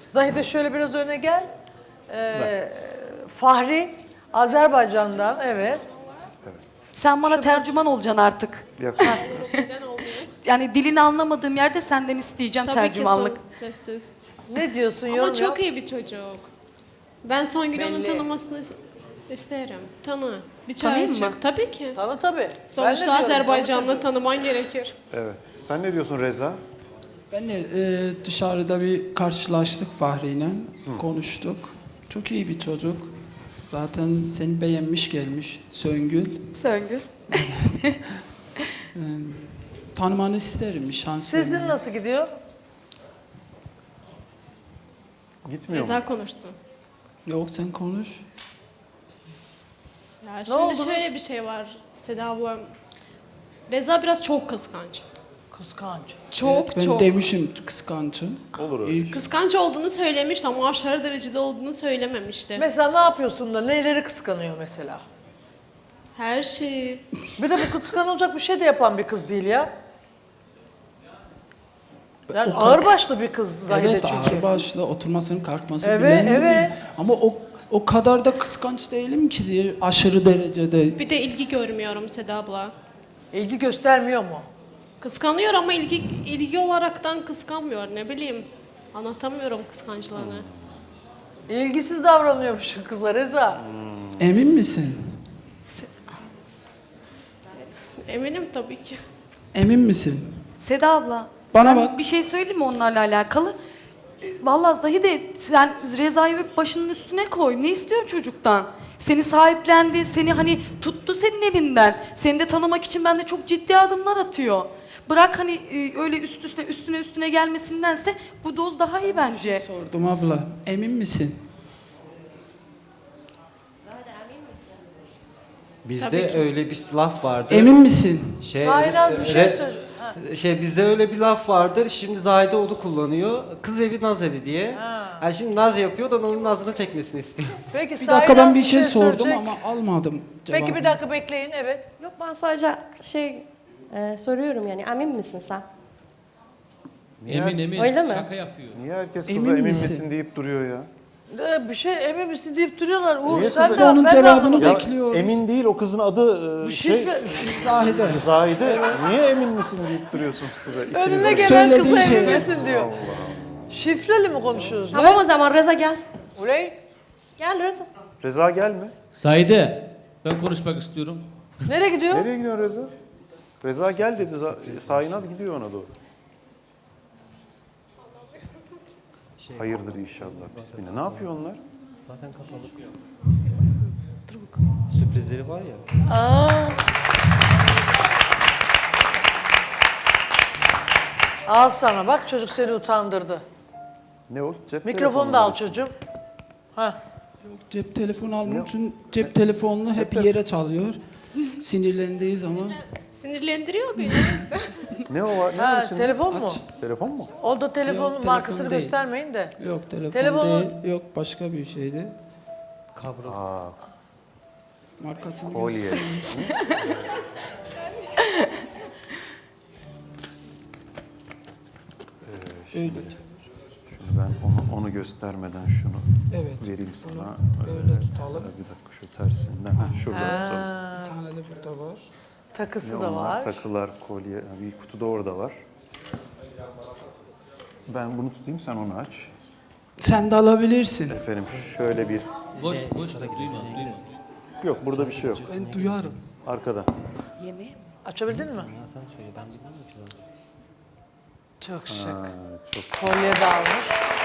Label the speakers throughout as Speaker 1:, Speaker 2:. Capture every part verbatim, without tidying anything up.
Speaker 1: Zahide şöyle biraz öne gel. Ee, Fahri, Azerbaycan'dan, evet.
Speaker 2: Sen bana tercüman olacaksın artık.
Speaker 3: Neden olmuyor?
Speaker 2: Yani dilini anlamadığım yerde senden isteyeceğim
Speaker 3: Tabii
Speaker 2: tercümanlık.
Speaker 3: ki son, sözsüz.
Speaker 1: Ne diyorsun,
Speaker 3: Ama
Speaker 1: yorum
Speaker 3: çok
Speaker 1: yap.
Speaker 3: iyi bir çocuk. Ben Songül onu
Speaker 1: Belli.
Speaker 3: tanımasını is- isterim. Tanı. Bir çay
Speaker 2: Tanıyayım
Speaker 3: çık.
Speaker 2: mı?
Speaker 3: Tabii ki.
Speaker 1: Tanı tabii. Ben de
Speaker 3: Sonuçta
Speaker 1: diyorum,
Speaker 3: Azerbaycanlı
Speaker 1: tanı tabii.
Speaker 3: tanıman gerekir.
Speaker 4: Evet. Sen ne diyorsun Reza?
Speaker 5: Ben de e, dışarıda bir karşılaştık Fahri'yle, konuştuk. Çok iyi bir çocuk. Zaten seni beğenmiş gelmiş Söngül.
Speaker 2: Söngül.
Speaker 5: E, tanımanı isterim, bir şans
Speaker 1: Sizin
Speaker 5: vermeni.
Speaker 1: nasıl gidiyor?
Speaker 4: Gitmiyor mu?
Speaker 3: Reza konuşsun.
Speaker 5: Yok sen konuş.
Speaker 3: Ya şimdi
Speaker 1: oldu?
Speaker 3: şöyle bir şey var Seda ablam. Reza biraz çok kıskanç.
Speaker 1: Kıskanç.
Speaker 3: Çok
Speaker 5: Evet, ben
Speaker 3: çok.
Speaker 5: demişim kıskançım.
Speaker 4: Olur öyle.
Speaker 5: İlk
Speaker 3: Kıskanç olduğunu söylemişti ama aşırı derecede olduğunu söylememişti.
Speaker 1: Mesela ne yapıyorsun da neleri kıskanıyor mesela?
Speaker 3: Her şeyi.
Speaker 1: Bir de bu kıskanılacak bir şey de yapan bir kız değil ya. Yani
Speaker 5: O kadar-
Speaker 1: ağırbaşlı bir kız Zahide
Speaker 5: evet
Speaker 1: çünkü.
Speaker 5: ağırbaşlı oturmasını kalkmasını
Speaker 1: Evet,
Speaker 5: bilen de
Speaker 1: evet.
Speaker 5: bir- Ama o o kadar da kıskanç değilim ki diye aşırı derecede.
Speaker 3: Bir de ilgi görmüyorum Seda abla.
Speaker 1: İlgi göstermiyor mu?
Speaker 3: Kıskanıyor ama ilgi ilgi olaraktan kıskanmıyor. Ne bileyim. Anlatamıyorum kıskançlığını.
Speaker 1: İlgisiz davranıyormuş kıza Reza.
Speaker 5: Emin misin?
Speaker 3: Eminim tabii ki.
Speaker 5: Emin misin?
Speaker 2: Seda abla.
Speaker 5: Bana
Speaker 2: ben
Speaker 5: bak.
Speaker 2: Bir şey söyleyeyim mi onlarla alakalı? E, Vallahi Zahide sen Reza'yı bir başının üstüne koy. Ne istiyorsun çocuktan? Seni sahiplendi, seni hani tuttu senin elinden. Seni de tanımak için bende çok ciddi adımlar atıyor. Bırak hani e, öyle üst üste üstüne üstüne gelmesindense bu doz daha iyi bence.
Speaker 5: Sordum abla. Emin misin?
Speaker 6: Bizde öyle bir laf vardır.
Speaker 5: Emin misin?
Speaker 6: Şey,
Speaker 1: Saynaz bir şey
Speaker 6: re-
Speaker 1: söyle. Ha.
Speaker 6: Şey bizde öyle bir laf vardır. Şimdi Zahide onu kullanıyor. Kız evi naz evi diye. Yani şimdi naz yapıyor da onun nazını çekmesini istiyor.
Speaker 1: Peki
Speaker 5: Bir dakika ben
Speaker 1: Saynaz
Speaker 5: bir şey sordum
Speaker 1: söyleyecek.
Speaker 5: ama almadım cevabını.
Speaker 1: Peki bir dakika bekleyin, evet.
Speaker 7: Yok ben sadece şey e, soruyorum yani emin misin sen?
Speaker 8: Emin emin.
Speaker 7: Öyle mi?
Speaker 8: Şaka yapıyor.
Speaker 4: Niye herkes
Speaker 5: Emin
Speaker 4: kıza emin
Speaker 5: misin?
Speaker 4: misin deyip duruyor ya?
Speaker 1: Ee, bir şey emin misin deyip duruyorlar. Uğur
Speaker 4: Niye
Speaker 1: sen
Speaker 4: kızı-
Speaker 1: de
Speaker 5: Onun
Speaker 1: ben de
Speaker 5: cevabını
Speaker 1: anlamadım.
Speaker 4: Ya
Speaker 5: Bekliyoruz.
Speaker 4: emin değil, o kızın adı e,
Speaker 1: Bir
Speaker 4: şey,
Speaker 1: şey,
Speaker 5: Zahide.
Speaker 4: Zahide. Niye emin misin deyip duruyorsunuz kıza? İkiniz
Speaker 1: önüne
Speaker 4: de-
Speaker 1: gelen
Speaker 5: Söylediği
Speaker 1: kıza
Speaker 5: şey.
Speaker 1: emin misin diyor. Şifreli mi konuşuyoruz?
Speaker 7: Tamam o zaman Reza gel.
Speaker 1: Uley,
Speaker 7: Gel Reza.
Speaker 4: Reza gelme.
Speaker 8: Saide, ben konuşmak istiyorum.
Speaker 1: nereye gidiyor?
Speaker 4: Nereye gidiyor Reza? Reza gel dedi. Za- Saynaz gidiyor ona doğru. Hayırdır inşallah. Bismillah. Ne yapıyor onlar?
Speaker 6: Zaten kapalı. Sürprizleri var ya.
Speaker 1: Aa. Al sana bak, çocuk seni utandırdı.
Speaker 4: Ne o? Cep
Speaker 1: Mikrofonu da al çocuğum. Ha.
Speaker 5: Cep telefonu almak için cep telefonunu hep yere çalıyor. Sinirlendiği zaman
Speaker 3: Sinirlendiriyor beni.
Speaker 4: Ne o var? Ne
Speaker 1: Ha,
Speaker 4: var içinde?
Speaker 1: telefon mu?
Speaker 5: aç.
Speaker 4: Telefon mu?
Speaker 1: O da telefonun
Speaker 5: Yok, telefon
Speaker 1: markasını
Speaker 5: değil.
Speaker 1: göstermeyin de.
Speaker 5: Yok telefon
Speaker 1: Telefonu-
Speaker 5: değil. Yok başka bir şeydi.
Speaker 6: Kablo.
Speaker 4: Aa,
Speaker 5: Markasını
Speaker 4: kolye.
Speaker 5: öyle.
Speaker 4: Şunu ben onu, onu göstermeden şunu
Speaker 5: Evet.
Speaker 4: vereyim sana.
Speaker 5: böyle
Speaker 4: Evet.
Speaker 5: tutalım.
Speaker 4: Bir dakika şu tersinden. Ha, şurada tutalım.
Speaker 5: Bir tane de burada var.
Speaker 1: Takısı
Speaker 4: Ne
Speaker 1: da
Speaker 4: onlar?
Speaker 1: var.
Speaker 4: Takılar, kolye. ha, Bir kutu da orada var. Ben bunu tutayım, sen onu aç.
Speaker 5: Sen de alabilirsin.
Speaker 4: Efendim şöyle bir...
Speaker 8: Boş boş duyma duyma.
Speaker 4: Yok burada bir şey yok.
Speaker 5: Ben duyarım.
Speaker 4: Arkada.
Speaker 2: Yemeği.
Speaker 1: Açabildin mi?
Speaker 6: Sen söyle ben bilmiyorum ki.
Speaker 1: Çok şık.
Speaker 4: Ha, çok
Speaker 1: Kolye de almış.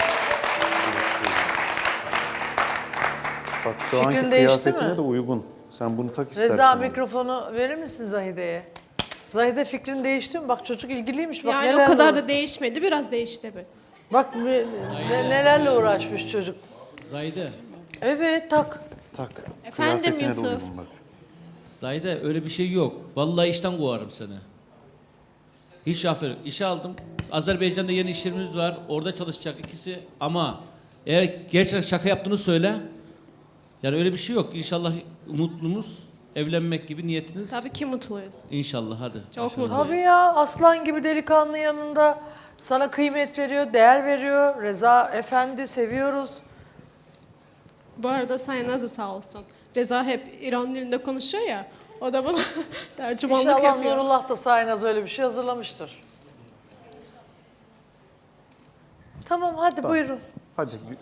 Speaker 4: Bak şu
Speaker 1: Fikrin
Speaker 4: anki
Speaker 1: değişti
Speaker 4: kıyafetine
Speaker 1: mi?
Speaker 4: de uygun. Sen bunu tak istersen.
Speaker 1: Reza
Speaker 4: onu.
Speaker 1: mikrofonu verir misin Zahide'ye? Zahide fikrin değişti mi? Bak çocuk ilgiliymiş. Bak
Speaker 3: Yani
Speaker 1: nelerle
Speaker 3: o kadar
Speaker 1: uğra-
Speaker 3: da değişmedi. Biraz değişti be.
Speaker 1: Bak ne- ne- nelerle uğraşmış çocuk.
Speaker 8: Zahide,
Speaker 1: Evet tak.
Speaker 4: Tak.
Speaker 3: Efendim
Speaker 4: Kıyafetine de
Speaker 3: Yusuf.
Speaker 4: uygun bak.
Speaker 8: Zahide öyle bir şey yok. Vallahi işten kovarım seni. Hiç aferin. İşe aldım. Azerbaycan'da yeni işlerimiz var. Orada çalışacak ikisi. Ama eğer gerçekten şaka yaptığını söyle. Yani öyle bir şey yok. İnşallah mutlumuz evlenmek gibi niyetiniz.
Speaker 3: Tabii ki mutluyuz.
Speaker 8: İnşallah hadi.
Speaker 3: Çok
Speaker 8: İnşallah.
Speaker 3: mutluyuz.
Speaker 1: Tabii ya aslan gibi delikanlı yanında Sana kıymet veriyor, değer veriyor. Reza Efendi seviyoruz.
Speaker 3: Bu arada Sayın Nazlı sağ olsun. Reza hep İran dilinde konuşuyor ya. O da bana tercümanlık
Speaker 1: İnşallah
Speaker 3: yapıyor.
Speaker 1: Nurullah da Saynaz öyle bir şey hazırlamıştır. Tamam hadi buyurun.
Speaker 4: Hadi